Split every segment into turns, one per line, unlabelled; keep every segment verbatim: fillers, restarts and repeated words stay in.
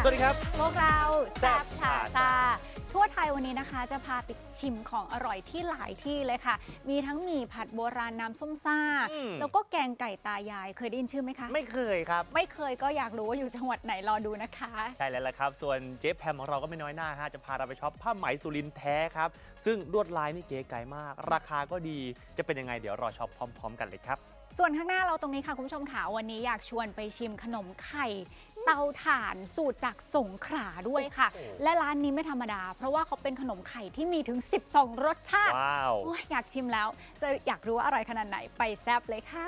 สวัสดีครับ
พวกเราแซ่บพาซา
Plaza
ทั่วไทยวันนี้นะคะจะพาไปชิมของอร่อยที่หลายที่เลยค่ะมีทั้งหมี่ผัดโบราณน้ำส้มซ่าแล้วก็แกงไก่ตายายเคยได้ยินชื่อไหมคะ
ไม่เคยครับ
ไม่เคยก็อยากรู้ว่าอยู่จังหวัดไหนรอดูนะคะ
ใช่แล้วละครับส่วนเจ๊แพมของเราก็ไม่น้อยหน้าฮะจะพาเราไปช็อปผ้าไหมสุรินทร์แท้ครับซึ่งลวดลายนี่เก๋ไก๋มากราคาก็ดีจะเป็นยังไงเดี๋ยวรอช็อปพร้อมๆกันเลยครับ
ส่วนข้างหน้าเราตรงนี้ค่ะคุณผู้ชมค่ะวันนี้อยากชวนไปชิมขนมไข่เตาถ่านสูตรจากสงขลาด้วยค่ะและร้านนี้ไม่ธรรมดาเพราะว่าเขาเป็นขนมไข่ที่มีถึงสิบสองรสชาติ
ว้าว
อยากชิมแล้วจะอยากรู้ว่าอร่อยขนาดไหนไปแซ่บเลยค่ะ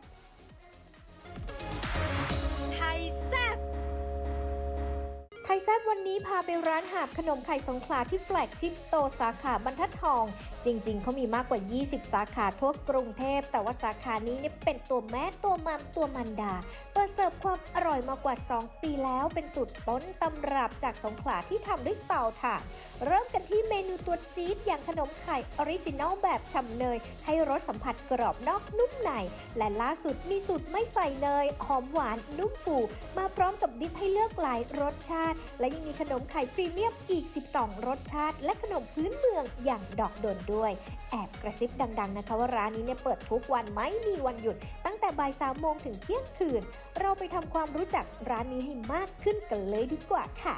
ไทยแซ่บไทยแซ่บวันนี้พาไปร้านหาบขนมไข่สงขลาที่แฟลกชิพสโตร์สาขาบรรทัดทองจริงๆเขามีมากกว่ายี่สิบสาขาทั่วกรุงเทพแต่ว่าสาขานี้เนี่ยเป็นตัวแม่ตัวมัมตัวมันดาเปิดเสิร์ฟความอร่อยมากว่าสองปีแล้วเป็นสูตรต้นตำรับจากสงขลาที่ทำด้วยเตาถ่านเริ่มกันที่เมนูตัวจี๊ดอย่างขนมไข่ออริจินัลแบบฉ่ำเนยให้รสสัมผัสกรอบนอกนุ่มในและล่าสุดมีสูตรไม่ใส่เนยหอมหวานนุ่มฟูมาพร้อมกับดิปให้เลือกหลายรสชาติและยังมีขนมไข่พรีเมียมอีกสิบสองรสชาติและขนมพื้นเมืองอย่างดอกดนด้วยแอบกระซิบดังๆนะคะว่าร้านนี้เนี่ยเปิดทุกวันไม่มีวันหยุดตั้งแต่บ่ายสามโมงถึงเที่ยงคืนเราไปทำความรู้จักร้านนี้ให้มากขึ้นกันเลยดีกว่าค่ะ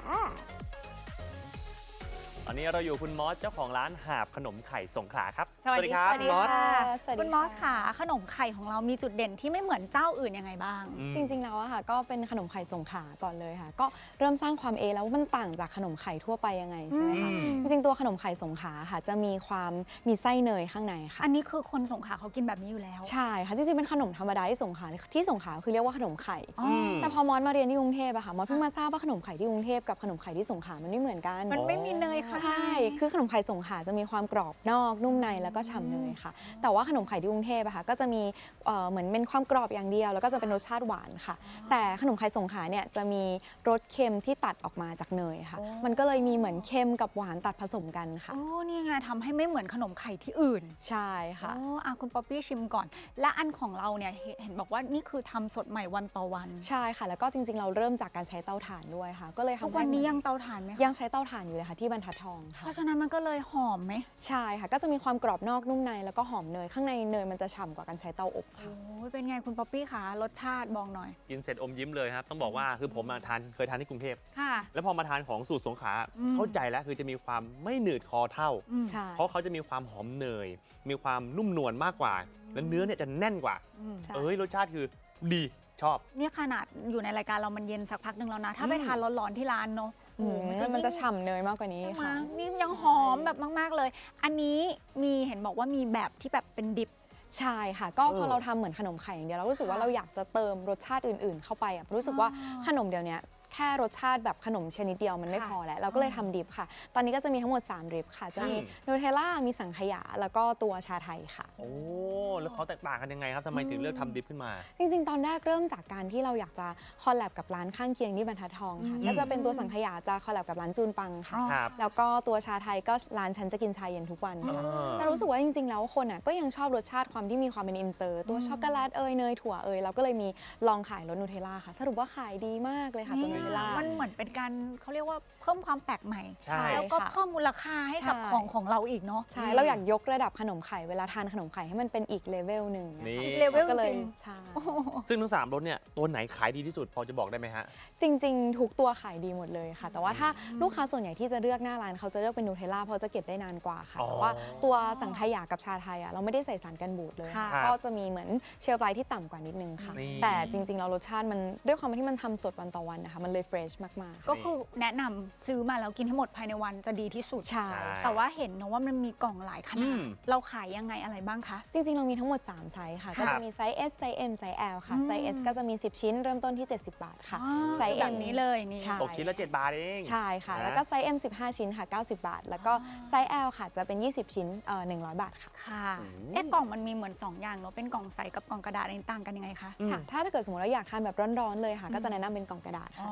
ตอนนี้เราอยู่คุณมอสเจ้าของร้านหาบขนมไข่สงขลาครับ
สวัสดีครับ
มอส
คุณมอสค่ะขนมไข่ของเรามีจุดเด่นที่ไม่เหมือนเจ้าอื่นยังไงบ้าง
จริงๆแล้วอะค่ะก็เป็นขนมไข่สงขลาก่อนเลยค่ะก็เริ่มสร้างความเอแล้วว่ามันต่างจากขนมไข่ทั่วไปยังไงใช่ไหมคะจริงๆตัวขนมไข่สงขลาค่ะจะมีความมีไส้เนยข้างในค่ะ
อันนี้คือคนสงขลาเขากินแบบนี้อยู่แล้ว
ใช่ค่ะจริงๆเป็นขนมธรรมดาที่สงขลาที่สงขลาคือเรียกว่าขนมไข่แต่พอมอสมาเรียนที่กรุงเทพอะค่ะมอสเพิ่งมาทราบว่าขนมไข่ที่กรุงเทพกับขนมไข่ที่สงขลามันไม่เหมือนกัน
มันไม่มีเนยค่ะ
ใช่คือขนมไข่สงขลาจะมีความกรอบนอกนุ่มในแล้วก็ฉ่ำเนยค่ะแต่ว่าขนมไข่ที่กรุงเทพอะค่ะก็จะมีเหมือนเป็นความกรอบอย่างเดียวแล้วก็จะเป็นรสชาติหวานค่ะแต่ขนมไข่สงขลาเนี่ยจะมีรสเค็มที่ตัดออกมาจากเนยค่ะมันก็เลยมีเหมือนเค็มกับหวานตัดผสมกันค่ะ
โอ้นี่ไงทำให้ไม่เหมือนขนมไข่ที่อื่น
ใช่ค่ะ
โอ้อาคุณป๊อปปี้ชิมก่อนและอันของเราเนี่ยเห็นบอกว่านี่คือทำสดใหม่วันต่อวัน
ใช่ค่ะแล้วก็จริงๆเราเริ่มจากการใช้เตาถ่านด้วยค่ะก็เลยทำให้
วันนี้ยังเตาถ่านไหม
ยังใช้เตาถ่านอยู่เลยค่ะที่บรรทัดทองค่ะ
เพราะฉะนั้นมันก็เลยหอมไหม
ใช่ค่ะก็จะมีความกรอบนอกนุ่มในแล้วก็หอมเนยข้างในเนยมันจะฉ่ำกว่าการใช้เตาอบค่ะ
โอ้เป็นไงคุณป๊อปปี้คะรสชาติบอกหน่อย
กินเสร็จอมยิ้มเลยครับต้องบอกว่าคือผมมาทานเคยทานที่กรุงเทพ
ค่ะ
แล้วพอมาทานของสูตรสงขลาเข้าใจแล้วคือจะมีความไม่หนืดคอเท่าเพราะเขาจะมีความหอมเนยมีความนุ่มนวลมากกว่าแล้วเนื้อเนี่ยจะแน่นกว่าเอ้ยรสชาติคือดีชอบ
เนี่ยขนาดอยู่ในรายการเรามันเย็นสักพักหนึ่งแล้วนะถ้าไปทานร้อนๆที่ร้านเนาะ
มันจะฉ่ำเนยมากกว่านี้ค่ะ
นี่ยังหอมแบบมากๆเลยอันนี้มีเห็นบอกว่ามีแบบที่แบบเป็นดิบ
ใช่ค่ะก็พอเราทำเหมือนขนมไข่อย่างเดียวเรารู้สึกว่าเราอยากจะเติมรสชาติอื่นๆเข้าไปอ่ะรู้สึกว่าขนมเดียวนี้แค่รสชาติแบบขนมชนิดเดียวมันไม่พอแล้วเราก็เลยทำดิบค่ะตอนนี้ก็จะมีทั้งหมดสามดิบค่ะจะมีนูเทลล่ามีสังขยาแล้วก็ตัวชาไทยค่ะ
โอ้แล้วเขาแตกต่างกันยังไงครับทำไมถึงเลือกทำดิบขึ้นมา
จริงๆตอนแรกเริ่มจากการที่เราอยากจะคอลแลบกับร้านข้างเคียงที่บรรทัดทองค่ะก็จะเป็นตัวสังขยาจะคอลแลบกับร้านจูนปังค่ะแล้วก็ตัวชาไทยก็ร้านฉันจะกินชาเย็นทุกวันแต่รู้สึกว่าจริงๆแล้วคนอ่ะก็ยังชอบรสชาติความที่มีความเป็นอินเตอร์ตัวช็อกโกแลตเอยเนยถั่วเอยเราก็เลยมีลองขายรสนูเทลล่าค่ะสรุปว่าขายดีมากเลยค่ะตัวนูเทลล่า
มันเหมือนเป็นการเขาเรียกว่าเพิ่มความแปลกใหม่แล้วก็เพิ่มมูลค่าให้กับของของเราอีกเนาะ
ใช่เราอยากยกระดับขนมไข่เวลาทานขนมไข่ให้มันเป็นอีกเลเวลหนึ่ง
อีกเลเวลจริง
ใช่
ซึ่งทั้งสามรสเนี่ยตัวไหนขายดีที่สุดพอจะบอกได้ไหมฮะ
จริงๆทุกตัวขายดีหมดเลยค่ะแต่ว่าถ้าลูกค้าส่วนใหญ่ที่จะเลือกหน้าร้านเขาจะเลือกเป็นนูเทลล่าเพราะจะเก็บได้นานกว่าค่ะแต่ว่าตัวสังขยากับชาไทยอ่ะเราไม่ได้ใส่สารกันบูดเลยก็จะมีเหมือนเชลฟ์ไลฟ์ที่ต่ำกว่านิดนึงค่ะแต่จริงๆเรารสชาติมันด้วยความที่มันทำสดวันต่อวันนะคะมันเลยเฟรชมากๆ
ก็คือแนะนำซื้อมาแล้วกินให้หมดภายในวันจะดีที่สุด
ใช่
แต่ว่าเห็นนะว่ามันมีกล่องหลายขนาดเราขายยังไงอะไรบ้างคะ
จริงๆเรามีทั้งหมดสามไซส์ค่ะก็จะมีไซส์ S ไซส์ M ไซส์ L ค่ะไซส์ S ก็จะมีสิบชิ้นเริ่มต้นที่เจ็ดสิบบาทค่ะไซส์
M นี้เลยนี่
ตกชิ้นละเจ็ดบาทเอง
ใช่ค่ะแล้วก็ไซส์ M สิบห้าชิ้นค่ะเก้าสิบบาทแล้วก็ไซส์ L ค่ะจะเป็นยี่สิบชิ้นเอ่อหนึ่งร้อยบาทค่ะ
ค่ะเอ๊ะกล่องมันมีเหมือนสองอย่างเนาะเป็นกล่องใสกับกล่องกระดาษต่างกันยังไงคะ
ค่ะถ้าถ้าเกิดสมมติเราอยากทานแบบร้อนๆเลยค่ะก็จะแนะนำเป็นกล่องกระดาษค่ะ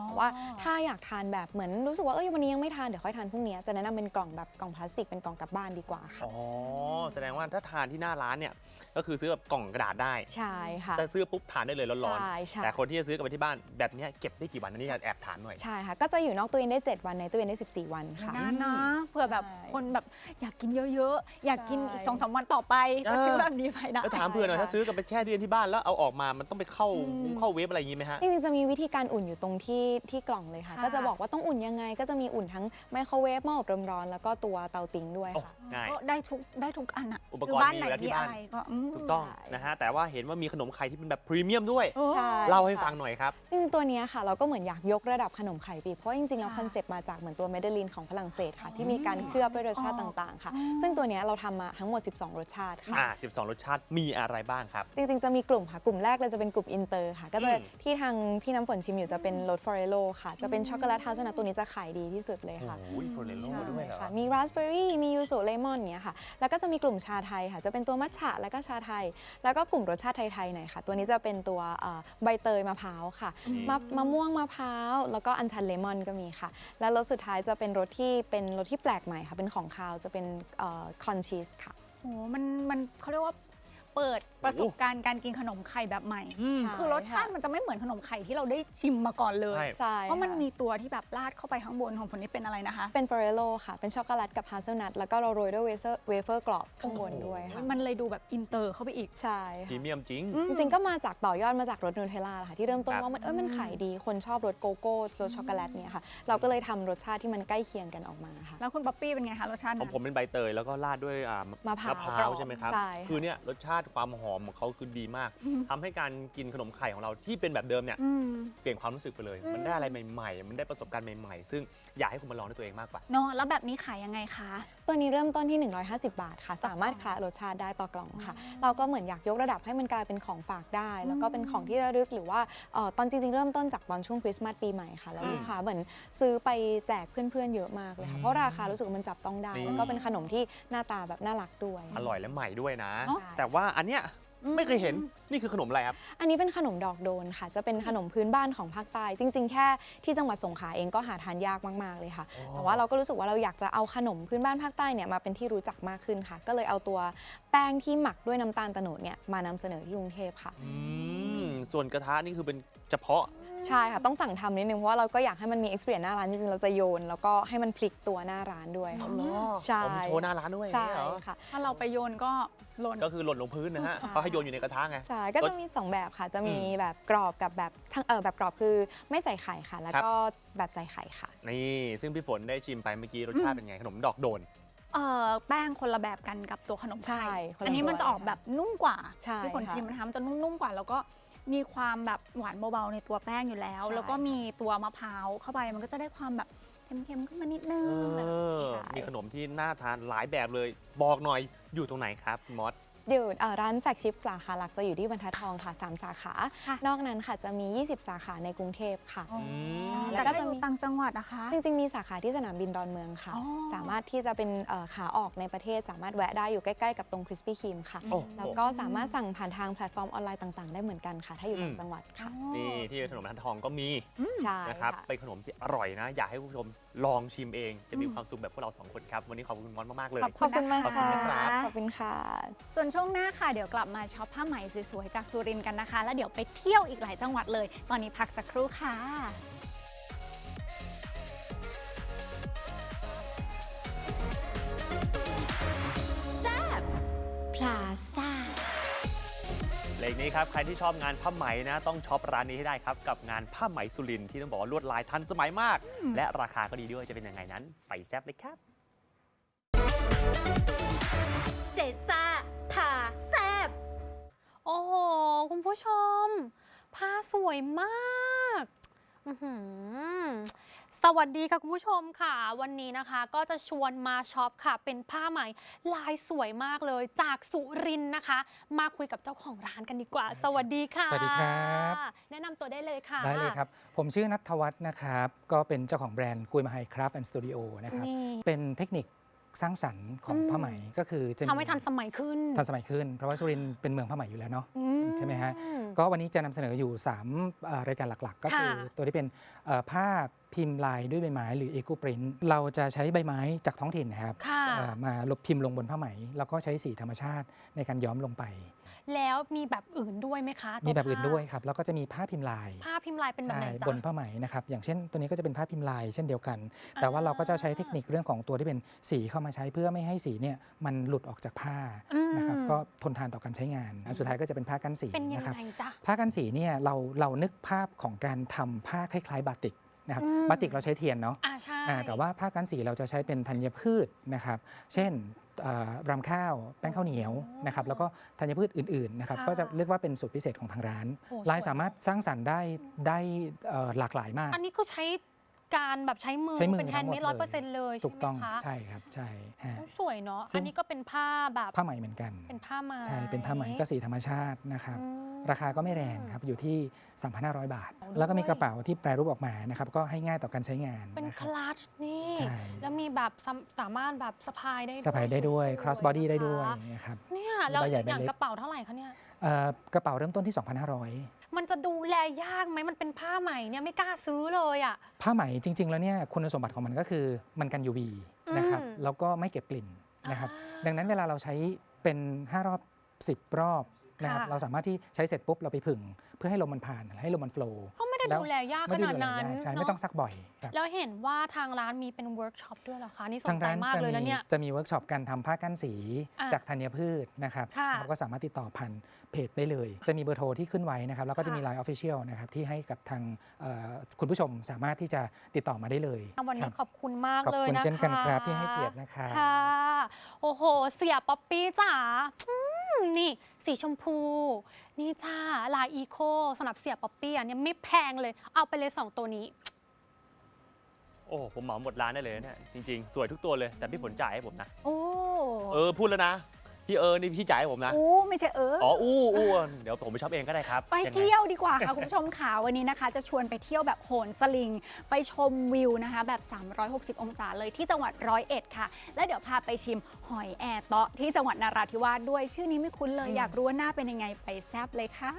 เพราะว่าถ้าอยากทานแบบเหมือนรู้สึกว่าเอ้ยวันนี้ยังไม่ทานเดี๋ยวค่อยทานพรุ่งนี้จะแนะนำเป็นกล่องแบบกล่องพลาสติกเป็นกล่องกลับบ้านดีกว่าค่ะ
อ๋อแสดงว่าถ้าทานที่หน้าร้านเนี่ยก็คือซื้อแบบกล่องกระดาษได้
ใช่ค่ะ
จะซื้อปุ๊บทานได้เลยร้อน
ใช่ใช่
ๆแต่คนที่จะซื้อกลับไปที่บ้านแบบเนี้ยเก็บได้กี่วันอันนี้แอบถามหน่อย
ใช่ค่ะก็จะอยู่นอกตู้เย็นได้เจ็ดวันในตู้เย็นได้สิบสี่วันค่ะ
นานนะเผื่อแบบ
ใช่
คนแบบอยากกินเยอะๆ อยากกินอีก
ใช่
สองสามวันต่อไปก็ซื้อแบบนี้ไปนะ
แล้วถามเพื่อนหน่อยถ้าซื้อกลับไปแช่ตู้เย็นที่บ้านแล้วเอาออกมามันต้องไปเข้าเข้าเวฟอะไรอย่างงี้ไหมฮะ
จริงๆจะมีวิธีการอุ่นอยู่ตรงที่ที่กล่องเลยค่ะ
ค่ะ
ก็จะบอกว่าต้องอุ่นยังไง ก็จะมีอุ่นทั้งไมโครเวฟหม้ออบลมร้อนแล้วก็ตัวเตาติ้งด้วย
โอ้
ค่ะ
ง่าย
ก็ได้ทุกได้ทุกอันอะ
อุปกรณ์
คืบ้าน
มี
ไหน
อยู่แล้วที่
มี
บ้าน
อะไรก็อืม
ถูกต้อง
ใช่
นะฮะแต่ว่าเห็นว่ามีขนมไข่ที่เป็นแบบพรีเมียมด้วย
โอ้
ใช่
เล่าให้
ค่ะ
ฟังหน่อยครับ
จริงๆตัวเนี้ยค่ะเราก็เหมือนอยากยกระดับขนมไข่ปีเพราะจริงๆแล้ว
ค่ะ
คอนเซปต์มาจากเหมือนตัวเมเดลินของฝรั่งเศสค่ะที่มีการเคลือบด้วยรสชาติต่างๆค่ะ ซึ่งตัวเนี้ยเราทำมาทั้งหมดสิบสองรสชาติค่ะ
อ่าสิบสองรสชาติมีอะไรบ้างครับ
จริงๆ จะมีกลุ่มค่ะกลุ่มแรกเลยจะเป็นกลุ่มอินเตอร์ค่ะ ก็จะ
อืม
ที่ทางพี่น้ำฝนชิมอยู่จะเป็นรสฟอเรโลค่ะ จะเป็นช็อกโกแลตฮาสนัทตัวนี้จะขายดีที่สุดเลยค่ะ
โอ้ยโฟเรโล
ใช่
ด้วยเหรอ
ค่ะมีราสเบอร์รี่มียูสุเลมอนเนี้ยค่ะ แล้วก็จะมีกลุ่มชาไทยค่ะ จะเป็นตัวมัทฉะแล้วก็ชาไทย แล้วก็กลุ่มรสชาติไทยๆหน่อยค่ะ ตัวนี้จะเป็นตัวเอ่อใบเตยมะพร้าวค่ะ
อืม
มะมะม่วงมะพร้าวแล้วก็อัญชันเลมอนก็มีค่ะ แล้วรสสุดท้ายจะเป็นรสที่เป็นรสที่แปลกใหม่ค่ะเป็นของคาวจะเป็นคอนชีสค่ะ
โหมันมันเขาเรียกว่าเปิดประสบการณ์การกินขนมไข่แบบใหม่
อืม
ใช่
คือรสชาติมันจะไม่เหมือนขนมไข่ที่เราได้ชิมมาก่อนเลย
ใช่
ใช่
เพราะมัน
ค่
มีตัวที่แบบราดเข้าไปข้างบนของคนนี้เป็นอะไรนะคะ
เป็นฟอเรโลค่ะ เป็นช็อกโกแลตกับฮาเซลนัทแล้วก็เราโรยด้วยเวเฟอร์เวเฟอร์กรอบข้างบนด้วยค่ะ
มันเลยดูแบบอินเตอร์เข้าไปอีก
ใช่
พรี
ค่ะ
เมียมจริง
จริงๆ ก็มาจากต่อยอดมาจากรสนูเทลล่าค่ะที่เริ่มต้น
ครับ
ว่ามันเออมันขายดีคนชอบรสโกโก้รสช็อกโกแลตเนี่ยค่ะ เราก็เลยทำรสชาติที่มันใกล้เคียงกันออกมาค่ะ
แล้วคุณป๊อปปี้เป็นไงคะรสชาติ
ของ
นั้น
ผมเป็นใบเตยแล้วก็ราดด้วยอ่าม
ะพร้าว
มะพร้าวใช่ไหมครับ
ใช่ค่ะ
คือเนี่ยรสชาติความหอมของเขาคือดีมากทำให้การกินขนมไข่ของเราที่เป็นแบบเดิมเนี่ย
อืม
เปลี่ยนความรู้สึกไปเลย มันได้อะไรใหม่ๆ มันได้ประสบการณ์ใหม่ๆ ซึ่งอยากให้คุณมาลองด้วยตัวเองมากกว่า
เนาะแล้วแบบนี้ขายยังไงคะ
ตัวนี้เริ่มต้นที่ หนึ่งร้อยห้าสิบ บาทค่ะ สามารถคละรสชาติได้ต่อกล่องค่ะ เราก็เหมือนอยากยกระดับให้มันกลายเป็นของฝากได้ แล้วก็เป็นของที่ระลึกหรือว่าเอ่อตอนจริงๆ เริ่มต้นจากตอนช่วงคริสต์มาสปีใหม่ค่ะ แล้วลูกค้าเหมือนซื้อไปแจกเพื่อนๆ เยอะมากเลยค่ะ เพราะราคารู้สึกว่ามันจับต้องได้
นี่
แล้วก็เป็นขนมที่หน้าตาแบบน่ารักด้วย
อร่อยและใหม่ด้วยนะ
ใช่
แต่ว่าอันเนี้ยไม่เคยเห็น นี่คือขนมอะไรครับ
อันนี้เป็นขนมดอกโดนค่ะ จะเป็นขนมพื้นบ้านของภาคใต้ จริง ๆ แค่ที่จังหวัดสงขลาเองก็หาทานยากมากๆเลยค่ะ
อ๋อ
แต่ว่าเราก็รู้สึกว่าเราอยากจะเอาขนมพื้นบ้านภาคใต้เนี่ยมาเป็นที่รู้จักมากขึ้นค่ะ ก็เลยเอาตัวแป้งที่หมักด้วยน้ำตาลโตโนดเนี่ยมานำเสนอที่กรุงเทพค่ะ
อืมส่วนกระทะนี่คือเป็นเฉพาะ
ใช่ค่ะ ต้องสั่งทำนิดนึงเพราะว่าเราก็อยากให้มันมี experience หน้าร้านจริงๆเราจะโยน แล้วก็ให้มันพลิกตัวหน้าร้านด้วยค่ะ ใช่
ผมโชว์หน้าร้านด้วย
ใช่
เหรอ
ค่ะ
ถ้าเราไปโยนก็หล่น
ก็คือหล่นลงพื้นนะฮะ
ใช่
เขาให้โยนอยู่ในกระทะไง
ใช่ ก็จะมีสองแบบค่ะ จะมี
อืม
แบบกรอบกับแบบทั้งเออแบบกรอบคือไม่ใส่ไข่ค่ะ แล้วก็แบบใส่ไข่ค่ะ
นี่ซึ่งพี่ฝนได้ชิมไปเมื่อกี้รสชาติเป็นไงขนมดอกโดน
เอ่อแป้งคนละแบบกันกับตัวขนม
ใช่
ไข่
คนละ
อันนี้มัน
ตัว
จะออกแบบนุ่มกว่า
ใช่
ที่ฝน
ค่ะ
ชิมนะคะมันจะนุ่มๆกว่า แล้วก็มีความแบบหวานเบาๆในตัวแป้งอยู่แล้ว
ใช่
แล้วก็มีตัวมะพร้าวเข้าไปมันก็จะได้ความแบบเค็มๆขึ้นมานิดนึง
เออ
ใช่
มีขนมที่น่าทานหลายแบบเลย บอกหน่อยอยู่ตรงไหนครับมอส
อยู่เอ่อร้านแฟลกชิพสาขาหลักจะอยู่ที่บรรทัดทองค่ะสามสาขา
ค่ะ
นอกนั้นค่ะจะมี ยี่สิบ สาขาในกรุงเทพค่ะ
อ๋อ
ม
แล้
แล้ว ว
ก็
ก็
จะ
จะ
มี
มี
ต่างจังหวัดนะคะ
จริงๆ มีสาขาที่สนามบินดอนเมืองค่ะ
อ๋อ
สามารถที่จะเป็นเอ่อขาออกในประเทศ สามารถแวะได้อยู่ใกล้ๆ กับตรงคริสปี้ครีมค่ะ
โอ้โห
แล้วก็สามารถสั่งผ่านทางแพลตฟอร์มออนไลน์ต่างๆ ได้เหมือนกันค่ะ ถ้าอยู่ต่างจังหวัดค่ะ
นี่ที่ขนมทันทองก็มี
ใช่
นะครับ
ค่ะ
เป็นขนมที่อร่อยนะ อยากให้คุณผู้ชมลองชิมเอง จะมีความสุขแบบพวกเราสองคนครับ วันนี้ขอบคุณมอสมากๆเลย
ขอบ
ขอบคุณมาก
ขอบคุณ
ค่ะ
นะครับ
ขอบคุณค่ะ
ส่วนช่วงหน้าค่ะเดี๋ยวกลับมาช็อปผ้าไหมสวยๆจากสุรินทร์กันนะคะ แล้วเดี๋ยวไปเที่ยวอีกหลายจังหวัดเลย ตอนนี้พักสักครู่ค่ะ
พลาซ่า
เลขนี้ครับ ใครที่ชอบงานผ้าไหมนะ ต้องช็อปร้านนี้ให้ได้ครับ กับงานผ้าไหมสุรินทร์ที่ต้องบอกว่าลวดลายทันสมัยมาก และราคาก็ดีด้วยจะเป็นยังไงนั้น ไปแซ่บเลยครับ
เจซ่าพาแซบ
โอ้โห คุณผู้ชม ผ้าสวยมากอื้อหือสวัสดีค่ะคุณผู้ชมค่ะ วันนี้นะคะก็จะชวนมาช็อปค่ะ เป็นผ้าไหมลายสวยมากเลยจากสุรินทร์นะคะ มาคุยกับเจ้าของร้านกันดีกว่า สวัสดีค่ะ
สวัสดีครับ
แนะนำตัวได้เลยค่ะ
ได้เลยครับ ผมชื่อนัทวัฒน์นะครับ ก็เป็นเจ้าของแบรนด์กุยมาไฮคราฟต์แอนด์สตูดิโอนะครับ
นี่
เป็นเทคนิคสร้างสรรค์ของ
อืม
ผ้าไหมก็คือจะ
ทำให้ทันสมัยขึ้น
ทันสมัยขึ้น เพราะว่าสุรินทร์เป็นเมืองผ้าไหมอยู่แล้วเนาะ
อืม
ใช่ไหมฮะก็วันนี้จะนำเสนออยู่สามเอ่อรายการหลักๆ ก็คือตัวที่เป็นเอ่อผ้าพิมพ์ลายด้วยใบไม้หรือ Eco Print เราจะใช้ใบไม้จากท้องถิ่นนะครับเอ่อมาลบพิมพ์ลงบนผ้าไหมแล้วก็ใช้สีธรรมชาติในการย้อมลงไป
แล้วมีแบบอื่นด้วยไหมคะตัว
มีแบบอื่น
ผ้า
ด้วยครับแล้วก็จะมีผ้าพิมพ์ลาย
ผ้าพิมพ์ลายเป็นแบบไหน
ใช่
จ๊ะ
บนผ้าไหมนะครับอย่างเช่นตัวนี้ก็จะเป็นผ้าพิมพ์ลายเช่นเดียวกัน แต่ว่าเราก็จะใช้เทคนิคเรื่องของตัวที่เป็นสีเข้ามาใช้เพื่อไม่ให้สีเนี่ยมันหลุดออกจากผ้า
อืม
นะครับก็ทนทานต่อการใช้งานอันสุดท้ายก็จะเป็นผ้ากันสี
เป็นยัง
นะครับ
ไงจ๊ะ
ผ้ากันสีเนี่ยเราเรานึกภาพของการทำผ้าคล้ายๆบาติกนะครับ
อืม
บาติกเราใช้เทียนเนาะ
อ่าใช่
อ่าแต่ว่าผ้ากันสีเราจะใช้เป็นธัญพืชนะครับเช่นเอ่อรำข้าวแป้งข้าวเหนียวนะครับแล้วก็ธัญพืชอื่นๆนะครับ
ค่ะ
ก็จะเรียกว่าเป็นสูตรพิเศษของทางร้าน
โอ้
ลาย
สวย
สามารถสร้างสรรค์ได้ได้เอ่อหลากหลายมาก
อันนี้คือใช้การแบบใช้มือ
ใช้มือ
เป็นแฮนด์เมด
ทั้
ร้อย
งห
เป
ม
อ
ด
ร์เซ็นต์เลย
ถูกต้อง
ใช่ไหมคะ
ใช่ครับใช่ฮะ
โอ้สวยเนาะ
ซึ่ง
อันนี้ก็เป็นผ้าแบบ
ผ้าไหมเหมือนกัน
เป็นผ้าไหม
ใช่เป็นผ้าไหมก็สีธรรมชาตินะครับ
อืม
ราคาก็ไม่แรงครับอยู่ที่ สามพันห้าร้อย บาท
โอ้ด้วย
แล้วก็มีกระเป๋าที่แปรรูปออกมานะครับก็ให้ง่ายต่อการใช้งาน
เป็น
นะค
ครับ ลัชนี่
ใช่
แล้วมีแบบสามสามารถแบบสะพายได้ด้วย
สะพายได้ด้วย
สๆ
cross body ได้ด้วย
นะคะ
นะครับ
เนี่ย
มี
แล้ว
ใบใหญ่
อ
ใบ
ย่าง
เล็ก
กระเป๋าเท่าไหร่คะเนี่ย
เอ่อกระเป๋าเริ่มต้นที่ สองพันห้าร้อย
มันจะดูแลยากไหมมันเป็นผ้าไหมเนี่ยไม่กล้าซื้อเลยอ่ะ
ผ้าไหมจริง ๆ แล้วเนี่ยคุณสมบัติของมันก็คือมันกัน ยู วี นะครับ
อืม
แล้วก็ไม่เก็บกลิ่นนะครับ
อ่า
ดังนั้นเวลาเราใช้เป็น ห้ารอบ สิบ รอบนะครับ
ค่ะ
เราสามารถที่ใช้เสร็จปุ๊บเราไปผึ่งเพื่อให้ลมมันผ่านให้ลมมันโฟล์
ก็ไม่ได้
แล้ว
ดูแลยากข
ไม่ได้
นาด
ดูแล
นั้น
ยากใช่
เน
ไม่
อะ
ต้องซักบ่อยครับ
แล้วเห็นว่าทางร้านมีเป็นเวิร์กช็อปด้วยเหรอคะนี่ส
ทาน ง
ใจ
ร้าน
มาก
จะ
เลย
มี
แล้วเนี่ย
จะมีเวิร์กช็อปการทำผ้ากั้นสี
อ่ะ
จากธัญพืชนะครับ
ค่ะ
เราก็สามารถติดต่อผ่านเพจได้เลย จะมีเบอร์โทรที่ขึ้นไว้นะครับแล้วก็จะมี
ค่ะ
ไลน์ Official นะครับที่ให้กับทางเอ่อคุณผู้ชมสามารถที่จะติดต่อมาได้เลย
วัน
ค
นี้
รับ
ขอบคุณมาก
ขอบ
เลย
คุณ
นะคะ
เช่นกันครับที่ให้เกียรตินะครับ
ค่ะ โอ้โห เสียป๊อปปี้จ๋าอืมนี่สีชมพู นี่จ้าลายอีโคสำหรับเสียป๊อปปี้อ่ะเนี่ยไม่แพงเลย เอาไปเลยสองตัวนี้
โอ้ผมเหมาหมดร้านได้เลยเนี่ยจริง ๆ สวยทุกตัวเลยแต่พี่ผลจ่ายให้ผมนะ
โอ้
เออพูดแล้วนะพี่เออนี่พี่จ่ายให้ผมนะ
โอ้ไม่ใช่เออ
อ๋ออู้อู้เดี๋ยวผมไปช็อปเองก็ได้ครับ
ไป
ยังไง
เที่ยวดีกว่าค่ะ คุณผู้ชมค่ะวันนี้นะคะ จะชวนไปเที่ยวแบบโหนสลิง ไปชมวิวนะคะ แบบ สามร้อยหกสิบ องศาเลยที่จังหวัดร้อยเอ็ดค่ะ แล้วเดี๋ยวพาไปชิมหอยแอร์เตาะที่จังหวัดนราธิวาสด้วยชื่อนี้ไม่คุ้นเลยอยากรู้ว่าหน้าเป็นยังไงไปแซบเลยค่ะ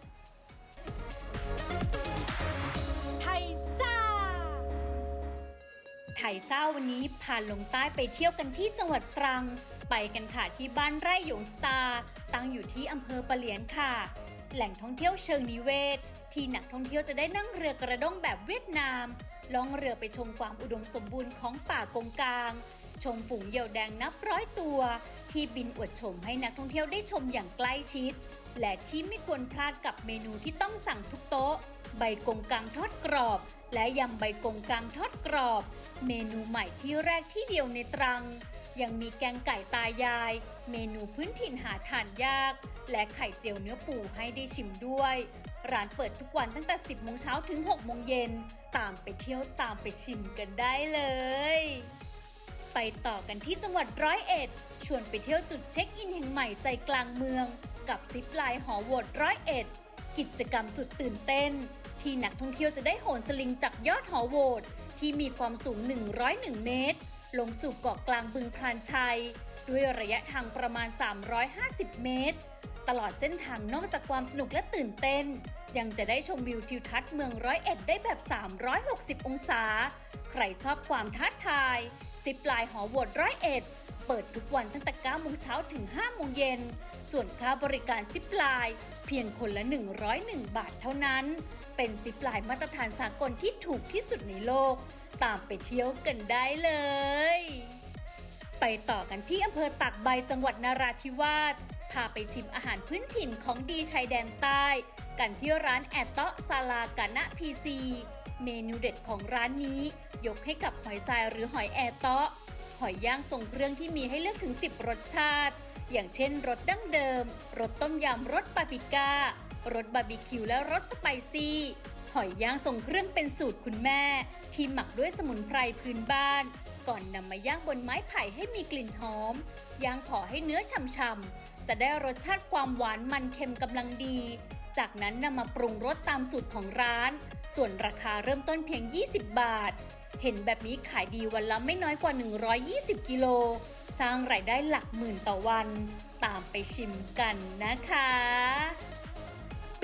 ไทยซ่า ไทยซ่าวันนี้พาลงใต้ไปเที่ยวกันที่จังหวัดตรัง ไปกันค่ะที่บ้านไร่หยงสตาร์ตั้งอยู่ที่อำเภอปะเหลียนค่ะ แหล่งท่องเที่ยวเชิงนิเวศ ที่นักท่องเที่ยวจะได้นั่งเรือกระด้งแบบเวียดนามล่องเรือไปชมความอุดมสมบูรณ์ของป่ากงกาง ชมฝูงเหยี่ยวแดงนับร้อยตัว ที่บินอวดชมให้นักท่องเที่ยวได้ชมอย่างใกล้ชิด และที่ไม่ควรพลาดกับเมนูที่ต้องสั่งทุกโต๊ะ ใบกงกางทอดกรอบ และยำใบกงกางทอดกรอบ เมนูใหม่ที่แรกที่เดียวในตรัง ยังมีแกงไก่ตายาย เมนูพื้นถิ่นหาทานยาก และไข่เจียวเนื้อปูให้ได้ชิมด้วย ร้านเปิดทุกวันตั้งแต่ สิบโมงเช้าถึง หกโมงเย็น ตามไปเที่ยวตามไปชิมกันได้เลย ไปต่อกันที่จังหวัดร้อยเอ็ด ชวนไปเที่ยวจุดเช็คอินแห่งใหม่ใจกลางเมือง กับซิปไลน์หอโหวตร้อยเอ็ด กิจกรรมสุดตื่นเต้น ที่นักท่องเที่ยวจะได้โหนสลิงจากยอดหอโหวตที่มีความสูง หนึ่งร้อยเอ็ด เมตร ลงสู่เกาะกลางบึงพลานชัย ด้วยระยะทางประมาณ สามร้อยห้าสิบ เมตร ตลอดเส้นทางนอกจากความสนุกและตื่นเต้น ยังจะได้ชมวิวทิวทัศน์เมืองร้อยเอ็ดได้แบบ สามร้อยหกสิบ องศา ใครชอบความท้าทายซิปไลน์หอโหวตร้อยเอ็ด เปิดทุกวันตั้งแต่ เก้าโมงเช้าถึง ห้าโมงเย็น ส่วนค่าบริการซิปไลน์เพียงคนละ หนึ่งร้อยเอ็ด บาทเท่านั้น เป็นซิปไลน์มาตรฐานสากลที่ถูกที่สุดในโลก ตามไปเที่ยวกันได้เลย ไปต่อกันที่อำเภอตากใบจังหวัดนราธิวาส พาไปชิมอาหารพื้นถิ่นของดีชายแดนใต้ กันที่ร้านแอตเตาะซาลากานะพีซี เมนูเด็ดของร้านนี้ ยกให้กับหอยทรายหรือหอยแอเตาะ หอยย่างทรงเครื่องที่มีให้เลือกถึง สิบ รสชาติ อย่างเช่นรสดั้งเดิม รสต้มยำ รสปาปริก้า รสบาร์บีคิว และรสสไปซี่ หอยย่างทรงเครื่องเป็นสูตรคุณแม่ ที่หมักด้วยสมุนไพรพื้นบ้าน ก่อนนำมาย่างบนไม้ไผ่ให้มีกลิ่นหอม ย่างขอให้เนื้อฉ่ำๆ จะได้รสชาติความหวานมันเค็มกำลังดี จากนั้นนำมาปรุงรสตามสูตรของร้าน ส่วนราคาเริ่มต้นเพียง ยี่สิบ บาท เห็นแบบนี้ขายดีวันละไม่น้อยกว่า หนึ่งร้อยยี่สิบ กิโล สร้างรายได้หลักหมื่นต่อวัน ตามไปชิมกันนะคะ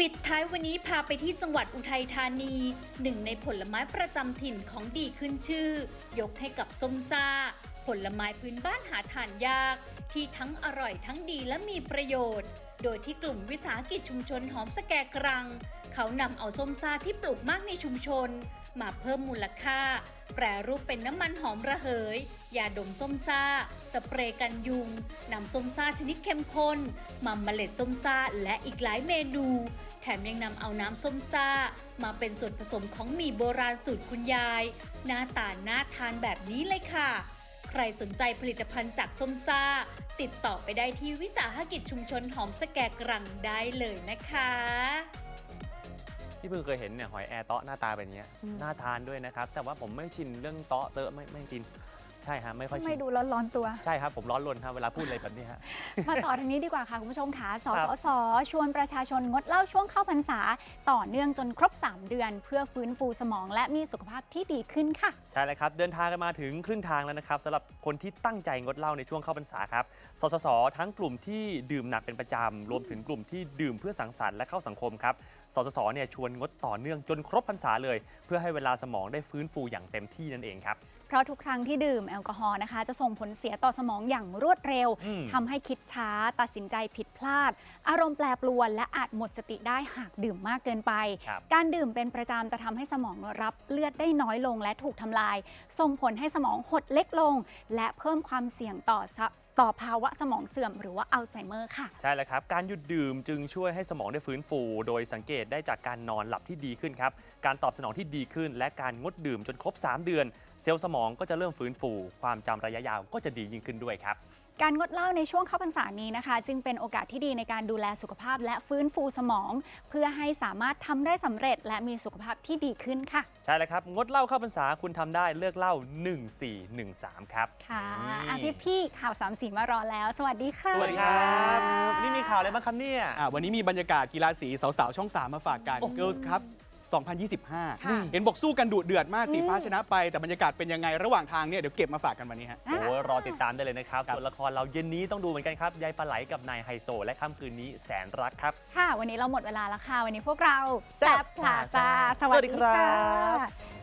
ปิดท้ายวันนี้พาไปที่จังหวัดอุทัยธานีหนึ่งในผลไม้ประจำถิ่นของดีขึ้นชื่อ ยกให้กับส้มซ่าผลไม้พื้นบ้านหาทานยากที่ทั้งอร่อยทั้งดีและมีประโยชน์โดยที่กลุ่มวิสาหกิจชุมชนหอมสแกกรังเขานำเอาส้มซ่าที่ปลูกมากในชุมชนมาเพิ่มมูลค่าแปรรูปเป็นน้ำมันหอมระเหยยาดมส้มซ่าสเปรย์กันยุงนำส้มซ่าชนิดเข้มข้นมาเมล็ดส้มซ่าและอีกหลายเมนูแถมยังนำเอาน้ำส้มซ่ามาเป็นส่วนผสมของหมี่โบราณสูตรคุณยายหน้าตาน่าทานแบบนี้เลยค่ะใครสนใจผลิตภัณฑ์จากส้มซ่าติดต่อไปได้ที่วิสาหกิจชุมชนหอมสแกกรังได้เลยนะคะ
ที่เพิ่งเคยเห็นเนี่ยหอยแอร์เตาะหน้าตาเป็นอย่างเงี้ยน่าทานด้วยนะครับแต่ว่าผมไม่ชินเรื่องเตาะเตอะไม่ไม่ชินใช่ฮะไม่ค่อยชิน
ไม่ดูร้อนๆตัว
ใช่ครับผมร้อนรนครับเวลาพูดอะไรแบบนี้ฮะ
มาต่อทางนี้ดีกว่าค่ะคุณผู้ชมค่ะส
ครับ
สส ชวนประชาชนงดเหล้าช่วงเข้าพรรษาต่อเนื่องจนครบ สาม เดือน เพื่อฟื้นฟูสมองและมีสุขภาพที่ดีขึ้นค่ะ
ใช่เลยครับเดินทางกันมาถึงครึ่งทางแล้วนะครับสำหรับคนที่ตั้งใจงดเหล้าในช่วงเข้าพรรษาครับสสสทั้งกลุ่มที่ดื่มหนักเป็นประจำรวมถึงกลุ่มที่ดื่มเพื่อสังสรรค์และเข้าสังคมครับสสสเนี่ยชวนงดต่อเนื่องจนครบพรรษาเลย เพื่อให้เวลาสมองได้ฟื้นฟูอย่างเต็มที่นั่นเองครับ
เพราะทุกครั้งที่ดื่มแอลกอฮอล์นะคะจะส่งผลเสียต่อสมองอย่างรวดเร็วทำให้คิดช้าตัดสินใจผิดพลาด อารมณ์แปรปรวนและอาจหมดสติได้หากดื่มมากเกินไป การดื่มเป็นประจำจะทำให้สมองรับเลือดได้น้อยลงและถูกทำลายส่งผลให้สมองหดเล็กลงและเพิ่มความเสี่ยงต่อต่อภาวะสมองเสื่อมหรือว่าอัลไซเมอร์ค่ะ
ใช่แล้วครับการหยุดดื่มจึงช่วยให้สมองได้ฟื้นฟูโดยสังเกตได้จากการนอนหลับที่ดีขึ้นครับการตอบสนองที่ดีขึ้นและการงดดื่มจนครบสามเดือนเซลล์สมองก็จะเริ่มฟื้นฟูความจำระยะยาวก็จะดียิ่งขึ้นด้วยครับ
การงดเหล้าในช่วงเข้าพรรษานี้นะคะจึงเป็นโอกาสที่ดีในการดูแลสุขภาพและฟื้นฟูสมอง เพื่อให้สามารถทำได้สำเร็จและมีสุขภาพที่ดีขึ้นค่ะ
ใช่แล้วครับงดเหล้าเข้าพรรษาคุณทำได้เลิกเหล้าหนึ่ง สี่ หนึ่ง สามครับ
ค่ะอ่ะพี่พี่ข่าวสามสีมารอแล้วสวัสดีค่ะ
สวัสดีครับวันนี้มีข่าวอะไรบ้างครับเนี่ย
วันนี้มีบรรยากาศกีฬาสีสาวๆช่องสามมาฝากกัน Girls ครับสองพันยี่สิบห้า เห็นบอกสู้กันดุเดือดมากสีฟ้าชนะไปแต่บรรยากาศเป็นยังไงระหว่างทางเนี่ยเดี๋ยวเก็บมาฝากกันวันนี้ฮะ
โอ้รอติดตามได้เลยนะครับส่วนละครเราเย็นนี้ต้องดูเหมือนกันครับยายปลาไหลกับนายไฮโซและค่ำคืนนี้แสนรักครับ
ค่ะวันนี้เราหมดเวลาแล้วค่ะวันนี้พวกเราแซ่บพลาซ่าสวัสดีค่ะ